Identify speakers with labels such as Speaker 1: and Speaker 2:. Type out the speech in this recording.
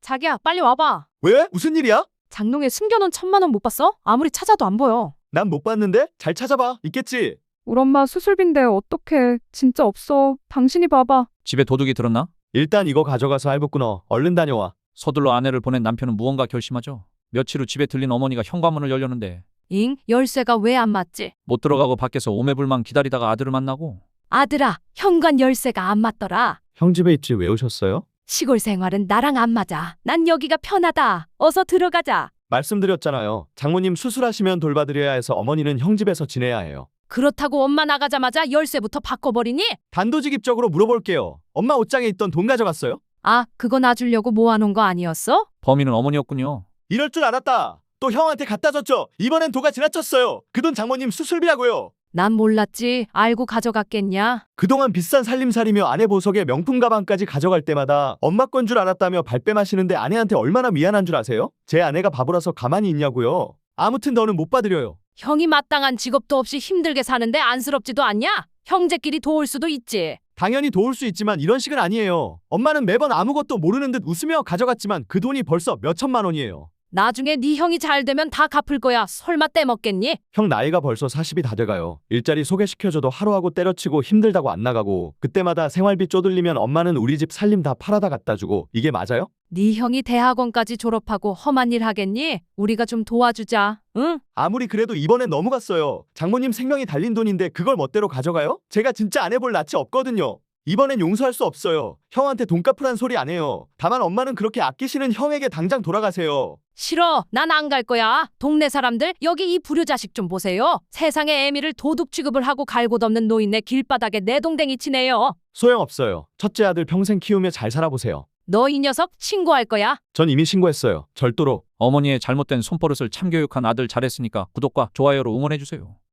Speaker 1: 자기야, 빨리 와봐.
Speaker 2: 왜? 무슨 일이야?
Speaker 1: 장롱에 숨겨놓은 1,000만 원 못 봤어? 아무리 찾아도 안 보여.
Speaker 2: 난 못 봤는데? 잘 찾아봐. 있겠지?
Speaker 3: 우리 엄마 수술비인데 어떡해. 진짜 없어. 당신이 봐봐.
Speaker 4: 집에 도둑이 들었나?
Speaker 2: 일단 이거 가져가서 할부 끊어. 얼른 다녀와.
Speaker 4: 서둘러 아내를 보낸 남편은 무언가 결심하죠. 며칠 후 집에 들린 어머니가 현관문을 열려는데
Speaker 1: 잉? 열쇠가 왜 안 맞지?
Speaker 4: 못 들어가고 밖에서 오매불망 기다리다가 아들을 만나고
Speaker 1: 아들아, 현관 열쇠가 안 맞더라.
Speaker 2: 형 집에 있지 왜 오셨어요?
Speaker 1: 시골 생활은 나랑 안 맞아. 난 여기가 편하다. 어서 들어가자.
Speaker 2: 말씀드렸잖아요. 장모님 수술하시면 돌봐드려야 해서 어머니는 형 집에서 지내야 해요.
Speaker 1: 그렇다고 엄마 나가자마자 열쇠부터 바꿔버리니?
Speaker 2: 단도직입적으로 물어볼게요. 엄마 옷장에 있던 돈 가져갔어요?
Speaker 1: 아, 그거 놔주려고 모아놓은 거 아니었어?
Speaker 4: 범인은 어머니였군요.
Speaker 2: 이럴 줄 알았다. 또 형한테 갖다 줬죠. 이번엔 도가 지나쳤어요. 그 돈 장모님 수술비라고요.
Speaker 1: 난 몰랐지. 알고 가져갔겠냐?
Speaker 2: 그동안 비싼 살림살이며 아내 보석에 명품 가방까지 가져갈 때마다 엄마 건 줄 알았다며 발뺌하시는데 아내한테 얼마나 미안한 줄 아세요? 제 아내가 바보라서 가만히 있냐고요. 아무튼 너는 못 받으려요.
Speaker 1: 형이 마땅한 직업도 없이 힘들게 사는데 안쓰럽지도 않냐? 형제끼리 도울 수도 있지.
Speaker 2: 당연히 도울 수 있지만 이런 식은 아니에요. 엄마는 매번 아무것도 모르는 듯 웃으며 가져갔지만 그 돈이 벌써 몇 천만 원이에요.
Speaker 1: 나중에 네 형이 잘 되면 다 갚을 거야. 설마 떼먹겠니?
Speaker 2: 형 나이가 벌써 40이 다 돼가요. 일자리 소개시켜줘도 하루하고 때려치고 힘들다고 안 나가고 그때마다 생활비 쪼들리면 엄마는 우리 집 살림 다 팔아다 갖다 주고 이게 맞아요?
Speaker 1: 네 형이 대학원까지 졸업하고 험한 일 하겠니? 우리가 좀 도와주자. 응?
Speaker 2: 아무리 그래도 이번엔 너무 갔어요. 장모님 생명이 달린 돈인데 그걸 멋대로 가져가요? 제가 진짜 안 해볼 낯이 없거든요. 이번엔 용서할 수 없어요. 형한테 돈 갚으란 소리 안 해요. 다만 엄마는 그렇게 아끼시는 형에게 당장 돌아가세요.
Speaker 1: 싫어. 난 안 갈 거야. 동네 사람들 여기 이 불효자식 좀 보세요. 세상에 애미를 도둑 취급을 하고 갈곳 없는 노인네 길바닥에 내동댕이 치네요.
Speaker 2: 소용없어요. 첫째 아들 평생 키우며 잘 살아보세요.
Speaker 1: 너 이 녀석 신고할 거야.
Speaker 2: 전 이미 신고했어요. 절도로.
Speaker 4: 어머니의 잘못된 손버릇을 참교육한 아들 잘했으니까 구독과 좋아요로 응원해주세요.